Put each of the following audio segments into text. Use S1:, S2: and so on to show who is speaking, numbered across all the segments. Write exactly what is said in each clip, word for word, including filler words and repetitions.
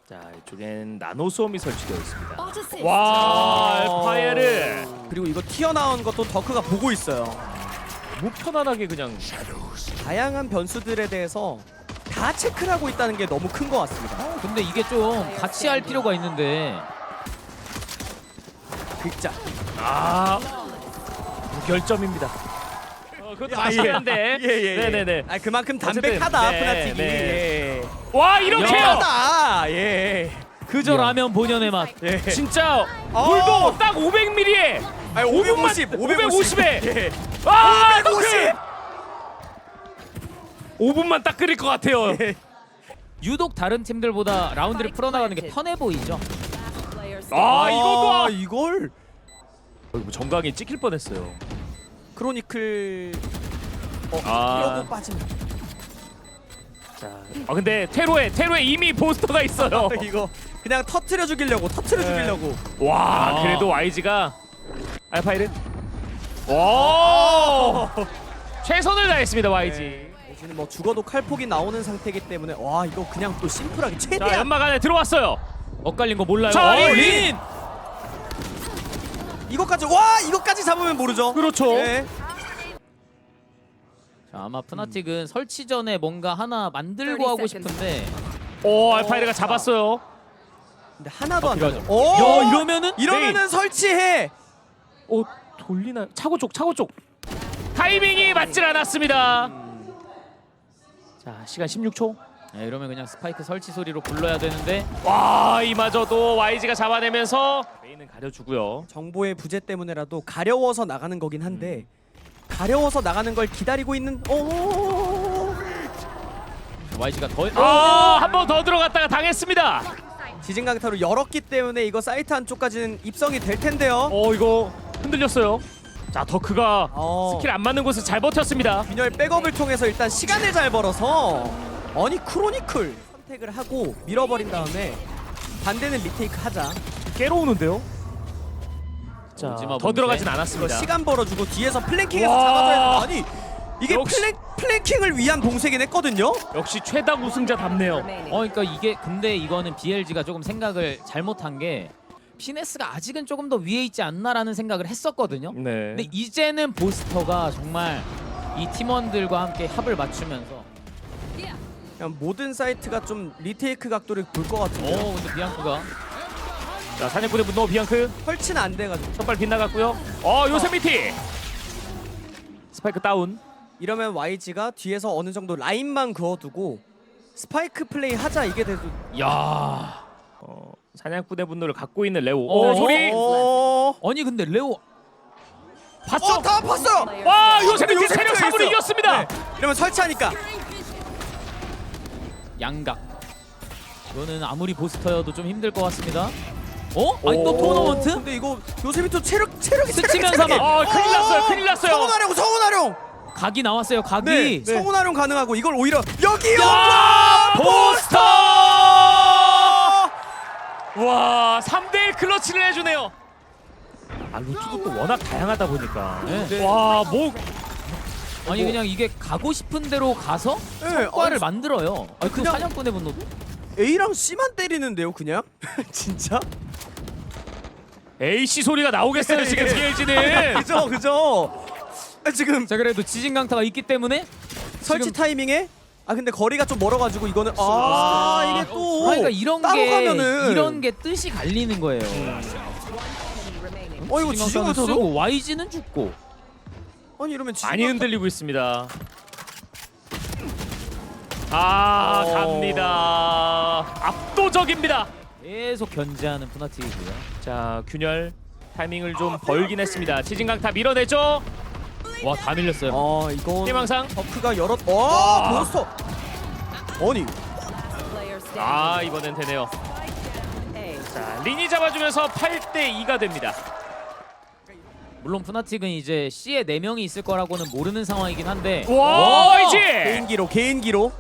S1: 자, 이쪽엔 나노 수험이 설치되어 있습니다.
S2: 어드시스트.
S1: 와, 파이어를
S3: 그리고 이거 튀어나온 것도 더크가 보고 있어요.
S1: 너무 편안하게 그냥.
S3: 다양한 변수들에 대해서 다 체크를 하고 있다는 게 너무 큰 것 같습니다.
S4: 근데 이게 좀 같이 할 필요가 있는데
S3: 극자.
S1: 아, 무결점입니다. 어, 그것도 다시 했는데.
S3: 예, 예, 예.
S1: 네네네.
S3: 아 그만큼
S1: 어쨌든,
S3: 담백하다
S1: 네,
S3: 푸나틱이.
S1: 네.
S3: 예.
S1: 와, 이렇게요.
S3: 하다. 예.
S4: 그저 라면 본연의 맛.
S3: 예.
S1: 진짜
S3: 어.
S1: 물도 딱 오백 밀리리에
S3: 아니 오백오십,
S1: 오백오십에.
S3: 예.
S1: 아,
S3: 오백오십.
S1: 오 분만 딱 끓일 것 같아요.
S3: 예.
S4: 유독 다른 팀들보다 라운드를 풀어나가는 게 편해 보이죠.
S1: 아, 이것도
S3: 아, 이걸
S1: 어, 뭐 정강이 찍힐 뻔했어요.
S3: 크로니클 어,
S1: 아.
S3: 이러고 빠지면
S1: 자, 아 근데 테로에 테로에 이미 보스터가 있어요.
S3: 이거 그냥 터트려 죽이려고 터트려
S1: 네.
S3: 죽이려고.
S1: 와,
S4: 아.
S1: 그래도 와이지가 알파이른. 와, 최선을 다했습니다 와이지.
S3: 네. 지금 뭐 죽어도 칼폭이 나오는 상태이기 때문에 와 이거 그냥 또 심플하게
S1: 자,
S3: 최대한
S1: 연막 안에 들어왔어요.
S4: 엇갈린 거 몰라요.
S1: 자,
S4: 어,
S1: 린!
S4: 린!
S3: 이것까지 와 이것까지 잡으면 모르죠.
S1: 그렇죠.
S3: 네.
S4: 자, 아마 푸나틱은 설치 전에 뭔가 하나 만들고 하고 싶은데
S1: 오, 알파이르가 잡았어요.
S3: 근데 하나도 안
S4: 필요하죠.
S3: 돼. 오!
S4: 야, 이러면은
S3: 이러면은 설치해.
S1: 오, 돌리나요? 차고 쪽, 차고 쪽. 타이밍이 맞질 않았습니다. 자, 시간 십육 초.
S4: 네, 이러면 그냥 스파이크 설치 소리로 불러야 되는데
S1: 와, 이마저도 와이지가 잡아내면서 메인은 가려주고요.
S3: 정보의 부재 때문에라도 가려워서 나가는 거긴 한데 가려워서 나가는 걸 기다리고 있는 오
S4: 와이지가 더
S1: 아, 한 번 더 들어갔다가 당했습니다.
S3: 지진강타로 열었기 때문에 이거 사이트 안쪽까지는 입성이 될 텐데요.
S1: 어, 이거 흔들렸어요. 자, 더크가
S3: 어.
S1: 스킬 안 맞는 곳을 잘 버텼습니다.
S3: 균열 백업을 통해서 일단 시간을 잘 벌어서 아니 크로니클 선택을 하고 밀어버린 다음에 반대는 리테이크 하자.
S1: 깨로우는데요. 자,
S4: 오지마
S1: 더
S4: 봉쇄.
S1: 들어가진
S3: 이거
S1: 않았습니다.
S3: 시간 벌어주고 뒤에서 플랭킹해서
S1: 와.
S3: 잡아줘야 돼. 아니 이게
S1: 역시.
S3: 플랭, 플랭킹을 위한 봉쇄긴 했거든요.
S1: 역시 최다 우승자답네요.
S4: 어, 그러니까 이게 근데 이거는 비엘지가 조금 생각을 잘못한 게 피네스가 아직은 조금 더 위에 있지 않나라는 생각을 했었거든요.
S1: 네.
S4: 근데 이제는 보스터가 정말 이 팀원들과 함께 합을 맞추면서
S3: 그냥 모든 사이트가 좀 리테이크 각도를 볼 것
S4: 어
S3: 같은데요.
S4: 근데 비앙크가
S1: 자, 사냥꾼의 분노 비앙크
S3: 설치는 안 돼가지고
S1: 첫발 빗나갔고요. 어, 요세미티 스파이크 다운.
S3: 이러면 와이지가 뒤에서 어느 정도 라인만 그어두고 스파이크 플레이 하자 이게 돼도
S4: 야
S1: 어, 사냥꾼의 분노를 갖고 있는 레오.
S4: 어,
S1: 오, 소리.
S3: 어,
S4: 아니 근데 레오
S1: 봤어?
S3: 어, 다 봤어요.
S1: 와, 요세미티
S3: 요세미티가
S1: 체력 삼으로
S3: 있어.
S1: 이겼습니다.
S3: 네. 이러면 설치하니까
S4: 양각 이거는 아무리 보스터여도 좀 힘들 것 같습니다. 어? 아니 또
S1: 오.
S4: 토너먼트?
S3: 근데 이거 요세미토 체력 체력이
S4: 스치면
S3: 체력이
S4: 사망.
S1: 어, 큰일 났어요. 큰일 났어요.
S3: 성운활용 성운활용.
S4: 각이 나왔어요. 각이.
S3: 네, 성운활용 가능하고 이걸 오히려 여기요.
S1: 와, 보스터! 와, 삼 대 일 클러치를 해주네요. 아, 루트도 또 워낙 다양하다 보니까.
S4: 네.
S1: 와, 뭐
S4: 아니 그냥 이게 가고 싶은 대로 가서
S3: 네,
S4: 성과를
S3: 아니,
S4: 만들어요. 아니 그
S3: 그냥-
S4: 사냥꾼의 분노도
S3: A랑 C만 때리는데요, 그냥? 진짜?
S1: 에이씨 소리가 나오겠어요 지금
S3: 예.
S1: 비엘지는.
S3: 그죠, 그죠. 아, 지금
S4: 자 그래도 지진 강타가 있기 때문에
S3: 설치
S4: 지금-
S3: 타이밍에 아 근데 거리가 좀 멀어가지고 이거는 아 이게 또
S4: 그러니까 이런
S3: 따로
S4: 게
S3: 가면은
S4: 이런 게 뜻이 갈리는 거예요.
S3: 어 이거
S4: 지진
S3: 지진
S4: 강타는
S3: 강타도
S4: 쓰고 와이지는 죽고.
S3: 아니 이러면 지진
S1: 많이
S3: 강타-
S1: 흔들리고 있습니다. 아,
S3: 어.
S1: 갑니다. 압도적입니다.
S4: 계속 견제하는 푸나틱이고요.
S1: 자, 균열 타이밍을 좀 벌긴 했습니다. 지진강타 밀어내죠.
S4: 와 다 밀렸어요.
S3: 아 이건
S1: 희망상.
S3: 버크가 열었 와 보스터 아니
S1: 아, 이번엔 되네요. 자, 린이 잡아주면서 팔 대 이가 됩니다.
S4: 물론 푸나틱은 이제 C에 네 명이 있을 거라고는 모르는 상황이긴 한데.
S1: 와, 이제
S3: 개인기로 개인기로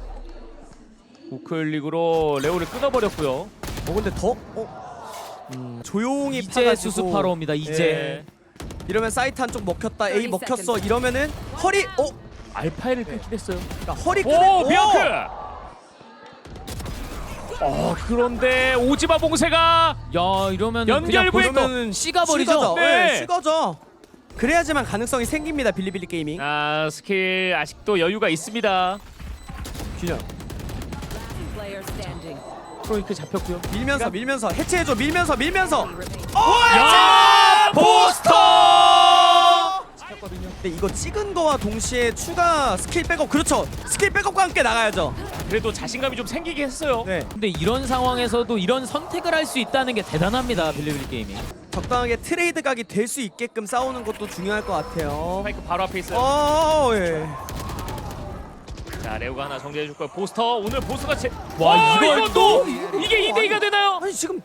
S1: 우클릭으로 레오를 끊어버렸고요.
S3: 어 근데 더 어? 음, 조용히
S4: 이제
S3: 파가지고
S4: 수습하러 옵니다. 이제.
S1: 예.
S3: 이러면 사이트 한쪽 먹혔다 A 먹혔어 이러면은 허리 어?
S1: 알파이를 끊긴 했어요.
S3: 그러니까 허리 끄는
S1: 오, 비앙크. 어 그런데 오지마 봉쇄가
S4: 야 이러면
S1: 연결부에
S3: 그러면은
S4: 씨가 버리죠.
S3: 식어져.
S1: 네.
S3: 네, 식어져. 그래야지만 가능성이 생깁니다. 빌리빌리 게이밍.
S1: 아 스킬 아직도 여유가 있습니다.
S3: 균형.
S2: Player standing.
S1: 크로니크 잡혔고요.
S3: 밀면서 밀면서 해체해줘. 밀면서 밀면서.
S1: 야 포스터!
S3: 근데 이거 찍은 거와 동시에 추가 스킬 백업. 그렇죠. 스킬 백업과 함께 나가야죠.
S1: 그래도 자신감이 좀 생기게 했어요.
S3: 네.
S4: 근데 이런 상황에서도 이런 선택을 할 수 있다는 게 대단합니다. 빌리빌리 게이밍.
S3: 적당하게 트레이드 각이 될 수 있게끔 싸우는 것도 중요할 것 같아요.
S1: 스파이크 바로 앞에 있어요.
S3: 어, 예.
S1: 자 레오가 하나 정리해줄 거예요. 보스터 오늘 보스가 제.
S4: 와,
S1: 와
S4: 이걸
S1: 이거 또 이게 이 대 이가 되나요?
S3: 아니 지금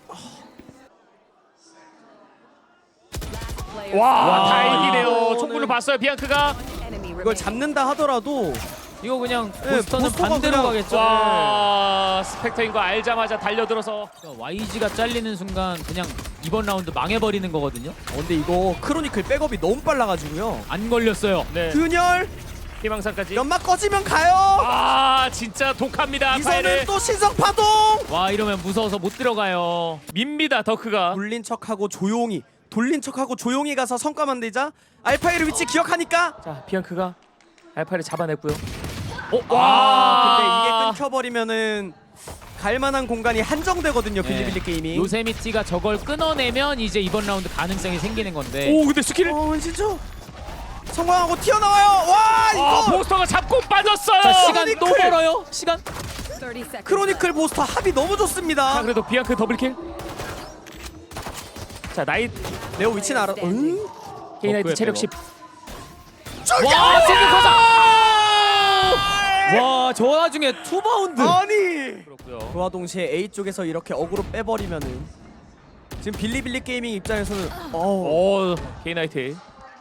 S2: Player
S1: 와,
S4: 와,
S1: 다행이네요.
S3: 이거는-
S1: 총구를 봤어요 비앙크가.
S2: enemy
S3: 이걸
S2: remaining.
S3: 잡는다 하더라도
S4: 이거 그냥
S3: 네,
S4: 보스터는
S3: 보스터가
S4: 반대로
S3: 그냥-
S4: 가겠죠.
S1: 와 스펙터인 거 알자마자 달려들어서
S4: 와이지가 잘리는 순간 그냥 이번 라운드 망해버리는 거거든요.
S3: 어, 근데 이거 크로니클 백업이 너무 빨라가지고요.
S4: 안 걸렸어요.
S1: 네
S3: 균열
S1: 희망상까지.
S3: 연막 꺼지면 가요.
S1: 아 진짜 독합니다.
S3: 이선은
S1: 파이를.
S3: 또 신성 파동.
S4: 와 이러면 무서워서 못 들어가요.
S1: 밉니다 더크가.
S3: 돌린 척하고 조용히 돌린 척하고 조용히 가서 성과 만들자. 알파이르 위치 기억하니까.
S1: 자 비앙크가 알파를 잡아냈고요.
S4: 어?
S3: 아, 근데
S1: 아.
S3: 이게 끊겨버리면은 갈만한 공간이 한정되거든요.
S4: 네.
S3: 빌리빌리 게이밍.
S4: 요세미티가 저걸 끊어내면 이제 이번 라운드 가능성이 생기는 건데.
S1: 오 근데 스킬.
S3: 어 진짜 성공하고 튀어나와요. 와 이거
S1: 아 보스터가 잡고 빠졌어요.
S4: 자 시간 또
S3: 크로니클!
S4: 벌어요. 시간.
S2: thirty seconds.
S3: 크로니클 보스터 합이 너무 좋습니다.
S1: 자 그래도 비앙크 더블킬. 자 나이
S3: 레오 위치는 알아. 응?
S1: 케이나이트
S4: 덕후의
S1: 체력
S4: 백업.
S1: 십.
S4: 와 생각하자. 와저 와중에 투 바운드.
S3: 아니.
S1: 그렇고요.
S3: 그와 동시에 A 쪽에서 이렇게 어그로 빼버리면은 지금 빌리빌리 게이밍 입장에서는 어
S1: 오 케이나이트.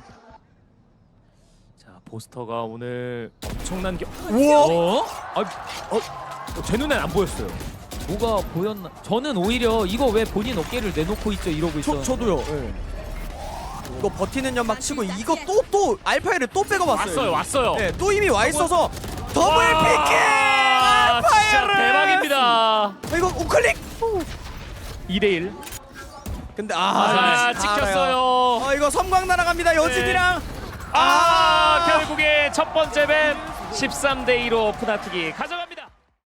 S1: 자 보스터가 오늘 엄청난 게.
S3: 우와.
S1: 어? 아, 어, 제 눈엔 안 보였어요.
S4: 뭐가 보였나? 저는 오히려 이거 왜 본인 어깨를 내놓고 있죠 이러고
S3: 저
S4: 있어.
S3: 저도요. 예. 이거 버티는 연막 치고 이거 또 또 알파이를 또 빼고 왔어요.
S1: 왔어요 왔어요.
S3: 네, 또 이미 와 있어서 더블
S1: 와,
S3: 피킹
S1: 진짜
S3: 알파이르.
S1: 대박입니다.
S3: 아, 이거 우클릭.
S1: 이 대 일.
S3: 근데
S1: 아,
S3: 아,
S1: 찍혔어요.
S3: 어 이거 섬광 날아갑니다. 여진이랑.
S1: 아,
S3: 아.
S1: 결국에 첫 번째 맵 십삼 대 이로 푸나티기 가져갑니다.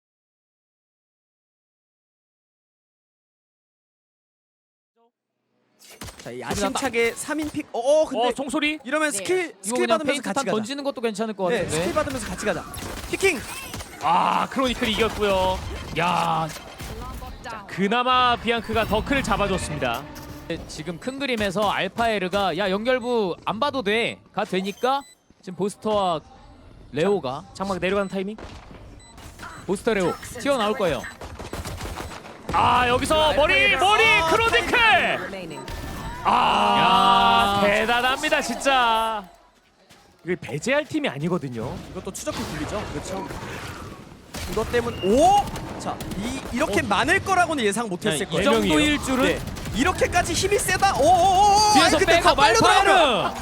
S3: 자, 이 야심차게 삼 인 픽. 어, 근데
S1: 어, 총소리.
S3: 이러면 스킬
S4: 이거
S3: 스킬
S4: 그냥
S3: 받으면서
S4: 페인트
S3: 같이
S4: 탄
S3: 가자.
S4: 던지는 것도 괜찮을 것
S3: 네,
S4: 같은데.
S3: 스킬 받으면서 같이 가자. 피킹.
S1: 아, 크로니클 이겼고요. 야, 그나마 비앙크가 더크를 잡아줬습니다.
S4: 지금 큰 그림에서 알파에르가 야 연결부 안 봐도 돼가 되니까 지금 보스터와 레오가
S1: 장막 내려가는 타이밍.
S4: 보스터 레오 튀어나올 거예요.
S1: 아, 여기서 머리 머리
S3: 아,
S1: 크로니클.
S2: remaining.
S1: 아,
S4: 야.
S1: 대단합니다 진짜. 이게 배제할 팀이 아니거든요.
S3: 이것도 추적해 굴리죠. 그렇죠. 이것 때문 오! 자, 이 이렇게
S1: 어.
S3: 많을 거라고는 예상 못 했을
S4: 이
S3: 거예요.
S4: 정도일 줄은
S3: 네. 이렇게까지 힘이 세다. 오! 오! 오!
S4: 뒤에서
S3: 아니, 근데
S4: 빼고
S3: 다 빨려
S4: 알파에르.
S3: 들어가면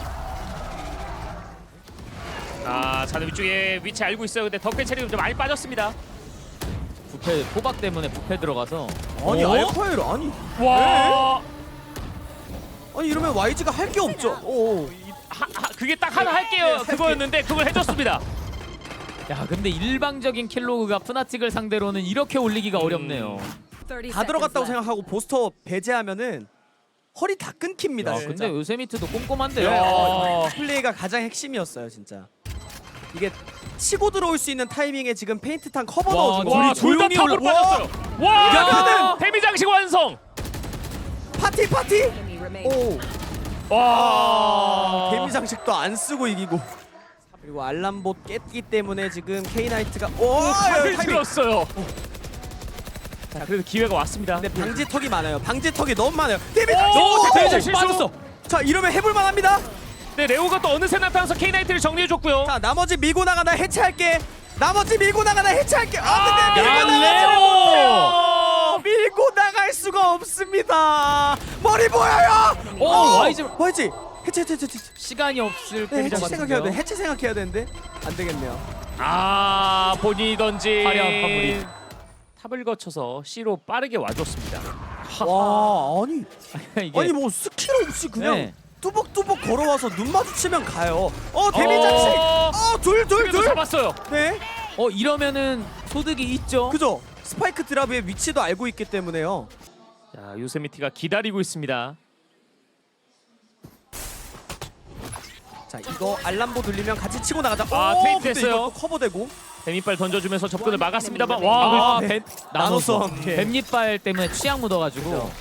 S1: 아, 자네 위쪽에 위치 알고 있어요. 근데 덕크 체력이 좀 많이 빠졌습니다.
S4: 부패 포박 때문에 부패 들어가서
S3: 아니,
S4: 어?
S3: 알파이르 아니.
S1: 와,
S3: 아니 이러면 와이지가 할 게 없죠. 오.
S1: 하, 하, 그게 딱 하나 할게요.
S3: 네,
S1: 그거였는데 그걸 해줬습니다.
S4: 야 근데 일방적인 킬로그가 푸나틱을 상대로는 이렇게 올리기가
S1: 음.
S4: 어렵네요.
S2: thirty
S3: 다 들어갔다고
S2: seconds left.
S3: 생각하고 보스터 배제하면은 허리 다 끊깁니다.
S4: 야,
S3: 진짜.
S4: 근데 요세미트도 꼼꼼한데요.
S1: 야.
S3: 어, 플레이가 가장 핵심이었어요, 진짜. 이게 치고 들어올 수 있는 타이밍에 지금 페인트탄 커버
S4: 와,
S3: 넣어준 거.
S1: 와,
S4: 둘이
S1: 둘 다
S4: 조용히
S1: 탑으로
S3: 올라-
S1: 빠졌어요. 와,
S4: 야.
S1: 그는 데미 장식 완성.
S3: 파티 파티.
S2: Enemy remaining.
S3: 오.
S1: 와,
S3: 데미 장식도 안 쓰고 이기고. 그리고 알람봇 깼기 때문에 지금 K나이트가 오,
S1: 칼을
S3: 타이밍.
S1: 들었어요. 자, 그래도 기회가 왔습니다.
S3: 근데 방지턱이 많아요. 방지턱이 너무 많아요. 데미
S1: 오,
S3: 장식.
S1: 대제
S3: 오!
S1: 실수.
S4: 빠졌어.
S3: 자, 이러면 해볼 만합니다.
S1: 네, 레오가 또 어느새 나타나서 K나이트를 정리해줬고요.
S3: 자, 나머지 밀고 나가나 해체할게. 나머지 밀고 나가나 해체할게. 아,
S1: 아,
S3: 근데 밀고
S1: 야,
S3: 나가지
S1: 레오!
S3: 못해요. 밀고 나갈 수가 없습니다. 머리 보여요.
S4: 오,
S3: 어,
S4: 와이즈.
S3: 와이즈. 해체 해체 해체. 해체.
S4: 시간이 없을
S3: 네,
S4: 때리자
S3: 해체 생각해야 돼.
S4: 같은데요.
S3: 해체 생각해야 되는데 안 되겠네요.
S1: 아, 본인이 던진
S4: 화려한 마무리.
S1: 탑을 거쳐서 C로 빠르게 와줬습니다.
S3: 와 아니
S4: 이게
S3: 아니 뭐 스킬 없이 그냥
S4: 네.
S3: 뚜벅뚜벅 걸어와서 눈 마주치면 가요. 어 데미 장식.
S1: 어,
S3: 어둘둘
S1: 그래도
S3: 둘.
S1: 잡았어요.
S3: 네.
S4: 어 이러면은 소득이 있죠.
S3: 그죠. 스파이크 드랍의 위치도 알고 있기 때문에요.
S1: 자, 요세미티가 기다리고 있습니다.
S3: 자 이거 알람보 들리면 같이 치고 나가자.
S1: 아,
S3: 오,
S1: 테이프
S3: 근데
S1: 됐어요.
S3: 이것도 커버되고.
S1: 데미빨 던져주면서 접근을 막았습니다만
S2: 아,
S1: 와,
S4: 아,
S3: 네.
S4: 뱀
S3: 나노섬.
S4: 나노섬.
S3: 예.
S4: 뱀잎발 때문에 취향 묻어가지고.
S3: 그죠.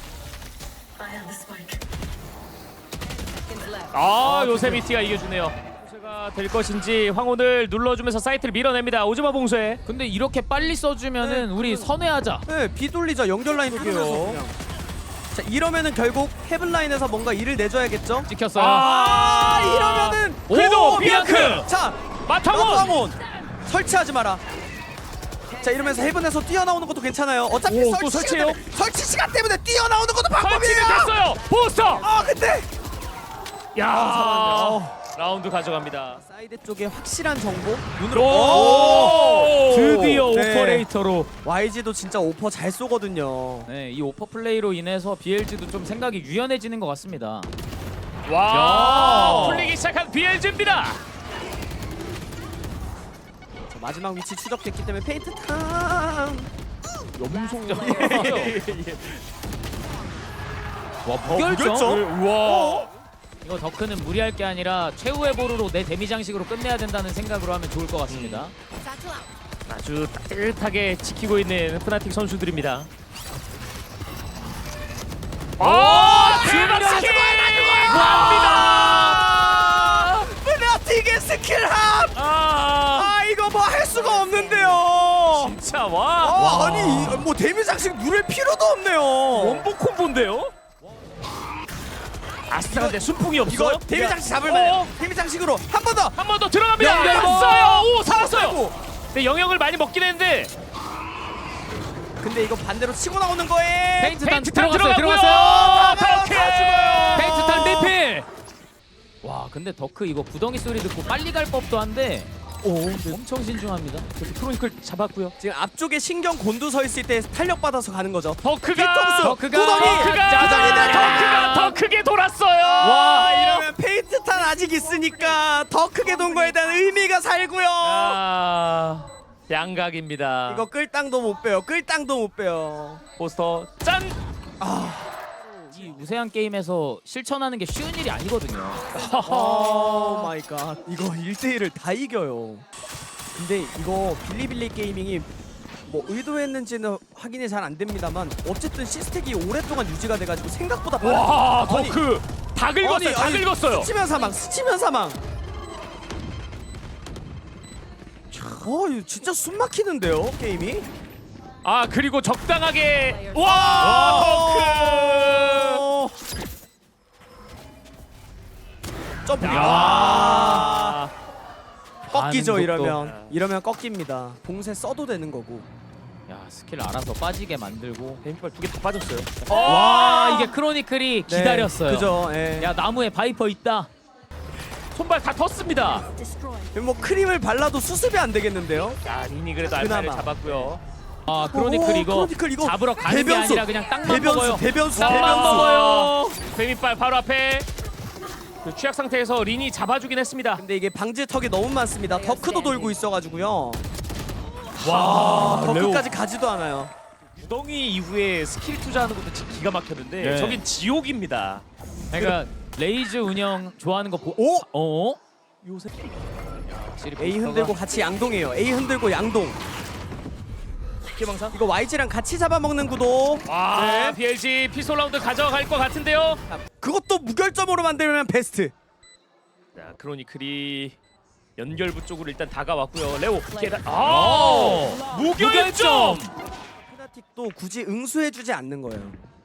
S1: 아, 요세미티가 이겨주네요. 봉쇄가 될 것인지 황혼을 눌러주면서 사이트를 밀어냅니다. 오즈마 봉쇄.
S4: 근데 이렇게 빨리 써주면은
S3: 네,
S4: 우리 선회하자.
S3: 네 비돌리자 연결 라인 뚫으면서 그냥. 자 이러면은 결국 헤븐 라인에서 뭔가 일을 내줘야겠죠.
S4: 찍혔어요.
S3: 아 이러면은
S1: 그래도
S3: 오,
S1: 비앙크!
S3: 자
S1: 마타곤!
S3: 마타곤 설치하지 마라. 자 이러면서 헤븐에서 뛰어나오는 것도 괜찮아요. 어차피
S1: 오,
S3: 설치
S1: 또
S3: 시간
S1: 설치해요?
S3: 때문에, 설치 시간 때문에 뛰어나오는 것도 방법이에요.
S1: 설치는 됐어요. 포스터.
S3: 아 근데
S1: 야,
S3: 아,
S1: 라운드 가져갑니다.
S3: 사이드 쪽에 확실한 정보 눈으로.
S1: 오!
S4: 드디어
S3: 네.
S4: 오퍼레이터로.
S3: 와이지도 진짜 오퍼 잘 쏘거든요.
S4: 네, 이 오퍼 플레이로 인해서 비엘지도 좀 생각이 유연해지는 것 같습니다.
S1: 와,
S4: 야.
S1: 풀리기 시작한 비엘즈입니다.
S3: 자, 마지막 위치 추적됐기 때문에 페인트 탕.
S1: 염소.
S4: 와 무결점.
S3: 무결점?
S1: 우와.
S4: 이거 더크는 무리할 게 아니라 최후의 보루로 내 데미 장식으로 끝내야 된다는 생각으로 하면 좋을 것 같습니다.
S1: 아주 따뜻하게 지키고 있는 프나틱 선수들입니다. 아, 대박 스킬! 갑니다.
S3: 프나틱의 스킬함.
S1: 아,
S3: 아 이거 뭐 할 수가 없는데요.
S1: 진짜
S3: 아,
S1: 와.
S3: 아니 이- 뭐 데미 장식 누를 필요도 없네요.
S1: 원복 콤보인데요? 아스타한테 순풍이 없어.
S3: 이거 데미 장식 잡을만해요.
S1: 어?
S3: 데미 장식으로 한 번 더.
S1: 한 번 더 들어갑니다.
S4: 연결.
S1: 살았어요. 오, 살았어요.
S3: 아이고.
S1: 근데 영역을 많이 먹긴 했는데
S3: 근데 이거 반대로 치고 나오는 거에
S4: 페인트 탄
S1: 페인트 탄
S4: 들어갔어요.
S1: 들어가고요.
S4: 들어갔어요.
S1: 더크.
S3: 다 죽어요.
S4: 페인트 탄 리필. 와 근데 더크 이거 구덩이 소리 듣고 빨리 갈 법도 한데
S1: 오,
S4: 엄청 신중합니다.
S1: 크로니클 잡았고요.
S3: 지금 앞쪽에 신경 곤두서 있을 때 탄력 받아서 가는 거죠.
S1: 더크가
S3: 뒤통수,
S4: 더크가
S3: 구덩이,
S1: 더크가
S3: 짜잔이네,
S1: 더크가 더 크게 돌았어요.
S3: 와 이러면 페인트 탄 아직 있으니까 더 크게 돈 거에 대한 의미가 살고요.
S1: 아, 양각입니다.
S3: 이거 끌땅도 못 빼요. 끌땅도 못 빼요.
S1: 포스터 짠.
S4: 이 우세한 게임에서 실천하는 게 쉬운 일이 아니거든요.
S3: 오 마이 갓. 이거 일 대 일을 다 이겨요. 근데 이거 빌리빌리 게이밍이 뭐 의도했는지는 확인이 잘 안 됩니다만 어쨌든 시스템이 오랫동안 유지가 돼가지고 생각보다 빨라.
S1: 와,
S3: 아니,
S1: 더크 다 긁었어요.
S3: 아니,
S1: 다
S3: 아니,
S1: 긁었어요.
S3: 스치면 사망, 스치면 사망. 어, 이거 진짜 숨 막히는데요, 게임이?
S1: 아, 그리고 적당하게 와, 더크.
S3: 어. 점프. 야.
S1: 아,
S3: 꺾이죠
S4: 반응 속도.
S3: 이러면. 이러면 꺾입니다. 봉쇄 써도 되는 거고.
S4: 야 스킬 알아서 빠지게 만들고.
S1: 뱀빨 두 개 다 빠졌어요.
S4: 와 이게 크로니클이
S3: 네,
S4: 기다렸어요.
S3: 그죠. 예.
S4: 야 나무에 바이퍼 있다.
S1: 손발 다 텄습니다.
S3: 뭐 크림을 발라도 수습이 안 되겠는데요?
S1: 자, 리니 그래도 알파를
S3: 그나마.
S1: 잡았고요.
S4: 아 크로니클
S3: 오,
S4: 이거,
S3: 크로니클 이거
S4: 잡으러 가는 게
S3: 대변수.
S4: 아니라 그냥 땅만
S3: 대변수,
S4: 먹어요.
S3: 대변수,
S1: 땅만
S3: 대변수.
S1: 먹어요. 뱀이빨 바로 앞에 그 취약 상태에서 린이 잡아주긴 했습니다.
S3: 근데 이게 방지턱이 너무 많습니다. 더크도 돌고 있어가지고요.
S1: 와,
S3: 더크까지 가지도 않아요.
S1: 구덩이 이후에 스킬 투자하는 것도 진짜 기가 막혔는데
S4: 네.
S1: 저긴 지옥입니다.
S4: 그러니까 레이즈 운영 좋아하는 거 보.
S3: 오!
S4: 어?
S1: 요새
S4: 확실히
S3: A
S4: 보스터가-
S3: 흔들고 같이 양동이에요. A 흔들고 양동.
S1: 기방상.
S3: 이거 와이지랑 같이 잡아먹는 구도.
S1: 와,
S3: 네.
S1: 비엘지 피솔 라운드 가져갈 것 같은데요.
S3: 그것도 무결점으로 만들면 베스트.
S1: 자, 크로니클이 연결부 쪽으로 일단 다가왔고요. 레오 계단. 아,
S4: 오!
S1: 무결점.
S3: 페나틱도 굳이 응수해주지 않는 거예요.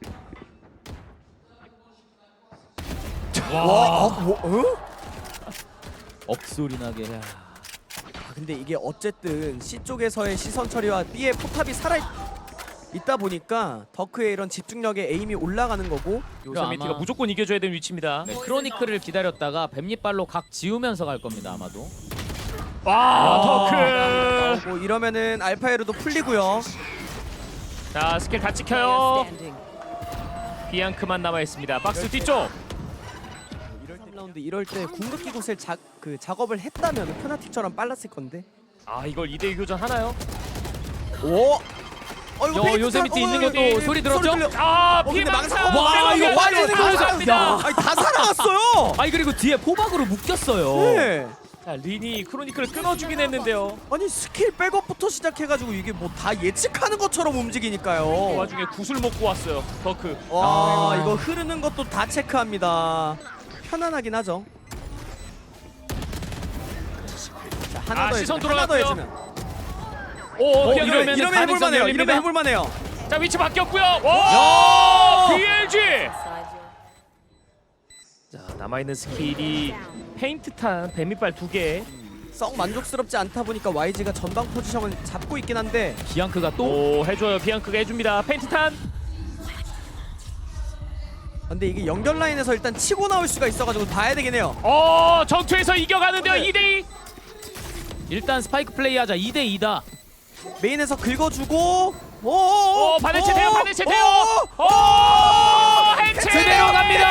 S1: 와,
S3: 어? 뭐? 어?
S4: 억소리 나게.
S3: 아, 근데 이게 어쨌든 C 쪽에서의 시선 처리와 B의 포탑이 살아 있다 보니까 더크의 이런 집중력에 에임이 올라가는 거고.
S1: 요세미티가
S4: 아마-
S1: 무조건 이겨줘야 되는 위치입니다.
S4: 네, 크로니클을 기다렸다가 뱀잎발로 각 지우면서 갈 겁니다 아마도.
S1: 와, 더크.
S3: 뭐 이러면은 알파에르도 풀리고요.
S1: 자 스킬 다 찍혀요.
S2: Standing.
S1: 비앙크만 남아 있습니다. 박스 뒤쪽.
S3: 삼 라운드 이럴 때 궁극기 곳을 자, 그 작업을 했다면 페나틱처럼 빨랐을 건데.
S1: 아 이걸 이 대 이 교전 하나요?
S3: 오. 어 이거
S4: 요-
S3: 페이크
S4: 요새
S3: 타-
S4: 밑에
S3: 어,
S4: 있는
S3: 이거
S4: 것도
S3: 이거
S4: 소리
S3: 들려.
S4: 들었죠?
S1: 아
S3: 어, 근데
S1: 피망사.
S3: 망상- 와, 이거 완전히
S1: 감사합니다.
S3: 야, 아니 다 살아갔어요.
S4: 아니 그리고 뒤에 포박으로 묶였어요.
S3: 네.
S1: 자 린이 크로니클을 끊어주긴 했는데요.
S3: 아니 스킬 백업부터 시작해가지고 이게 뭐 다 예측하는 것처럼
S1: 그
S3: 움직이니까요.
S1: 와중에 구슬 먹고 왔어요. 더크.
S3: 와
S4: 아.
S3: 이거 흐르는 것도 다 체크합니다. 편안하긴 하죠. 자, 하나
S1: 아,
S3: 더
S1: 시선
S3: 해주면, 하나 더
S1: 돌아갔고요.
S3: 해주면.
S1: 오
S3: 어,
S1: 이러면
S3: 이러면 이러면 해볼만해요. 이러면 해볼만해요.
S1: 자 위치 바뀌었고요. 와 비엘지. 자 남아 있는 스킬이 페인트 탄 뱀이빨 두 개.
S3: 썩 만족스럽지 않다 보니까 와이지가 전방 포지션을 잡고 있긴 한데
S4: 비앙크가 또
S1: 오 해줘요. 비앙크가 해줍니다. 페인트 탄.
S3: 근데 이게 연결 라인에서 일단 치고 나올 수가 있어가지고 봐야 되긴 해요.
S1: 어 전투에서 이겨가는데요.
S3: 네.
S1: 이 대 이.
S4: 일단 스파이크 플레이하자. 이 대 이다.
S3: 메인에서 긁어주고 오,
S1: 오 바네체 돼요. 바네체 돼요. 오 해체
S3: 제대로
S1: 갑니다.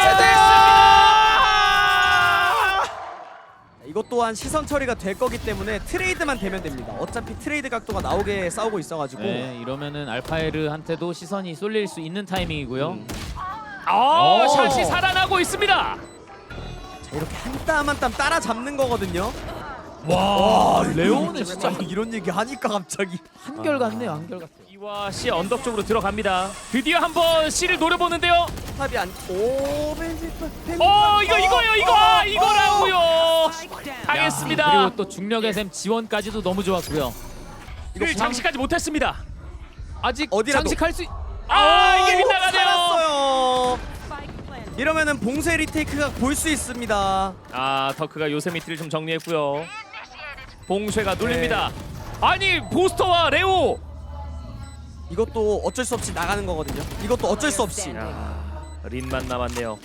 S3: 이것 또한 시선 처리가 될 거기 때문에 트레이드만 되면 됩니다. 어차피 트레이드 각도가 나오게 싸우고 있어가지고
S4: 네, 이러면은 알파에르한테도 시선이 쏠릴 수 있는 타이밍이고요.
S3: 음.
S1: 아
S4: 오.
S1: 샷이 살아나고 있습니다.
S3: 자, 이렇게 한 땀 한 땀 따라 잡는 거거든요.
S4: 와,
S3: 레오는
S4: 레오는
S3: 진짜
S4: 진짜
S3: 이런 얘기 하니까 갑자기
S4: 한결 같네요. 한결 같아.
S1: 이와 C 언덕 쪽으로 들어갑니다. 드디어 한번 C를 노려보는데요.
S3: 탑이 안. 오 벤지 벤지.
S1: 어 이거 이거요 이거 아, 이거라고요.
S2: Spike down.
S1: 당했습니다.
S4: 그리고 또 중력 에스엠 지원까지도 너무 좋았고요.
S1: 그 장식까지 못했습니다.
S4: 아직
S3: 어디라도.
S4: 장식할 수 있...
S1: 아 이게 빗나가네요.
S3: 살았어요.
S2: Spike planted.
S3: 이러면은 봉쇄 리테이크가 볼 수 있습니다.
S1: 아 더크가 요세미티를 좀 정리했고요. 봉쇄가 눌립니다. 아니 보스터와 레오.
S3: 이것도 어쩔 수 없이 나가는 거거든요. 이것도 어쩔 수 없이.
S1: 야 린만 남았네요.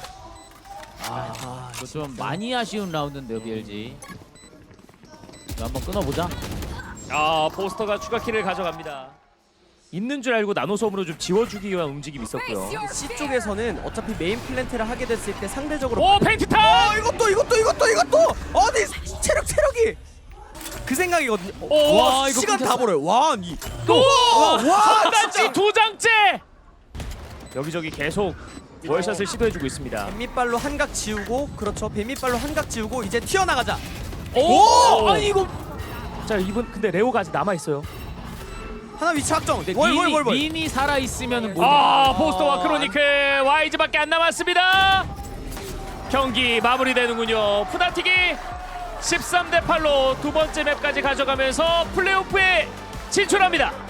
S4: 아, 이거 좀 많이 아쉬운 라운드인데요, 비엘지. 이거 한번 끊어보자.
S1: 아 보스터가 추가 킬을 가져갑니다. 있는 줄 알고 나노섬으로 좀 지워주기 위한 움직임이 있었고요.
S3: C 쪽에서는 어차피 메인 플랜트를 하게 됐을 때 상대적으로
S1: 오 페인트
S3: 어
S1: 탄.
S3: 이것도 이것도 이것도 이것도 어디 체력 체력이 그 생각이거든요.
S1: 오,
S3: 와
S4: 이거
S3: 시간 다
S4: 끊겼어.
S3: 벌어요. 와이
S1: 또
S3: 와
S1: 한 단지
S3: 진짜
S1: 두 장째. 여기저기 계속 월샷을 시도해주고 있습니다.
S3: 뱀밑발로 한각 지우고 그렇죠. 뱀밑발로 한각 지우고 이제 튀어나가자.
S1: 오!
S4: 아니 이거
S1: 자 이분 근데 레오가 아직 남아 있어요.
S3: 하나 위치 확정.
S4: 근데
S3: 월,
S4: 린이,
S3: 월, 월, 월.
S4: 린이 살아 있으면은 뭐
S1: 아 포스터와 크로니클 와이즈밖에 안 남았습니다. 경기 마무리되는군요. 푸나틱이 십삼 대 팔로 두 번째 맵까지 가져가면서 플레이오프에 진출합니다.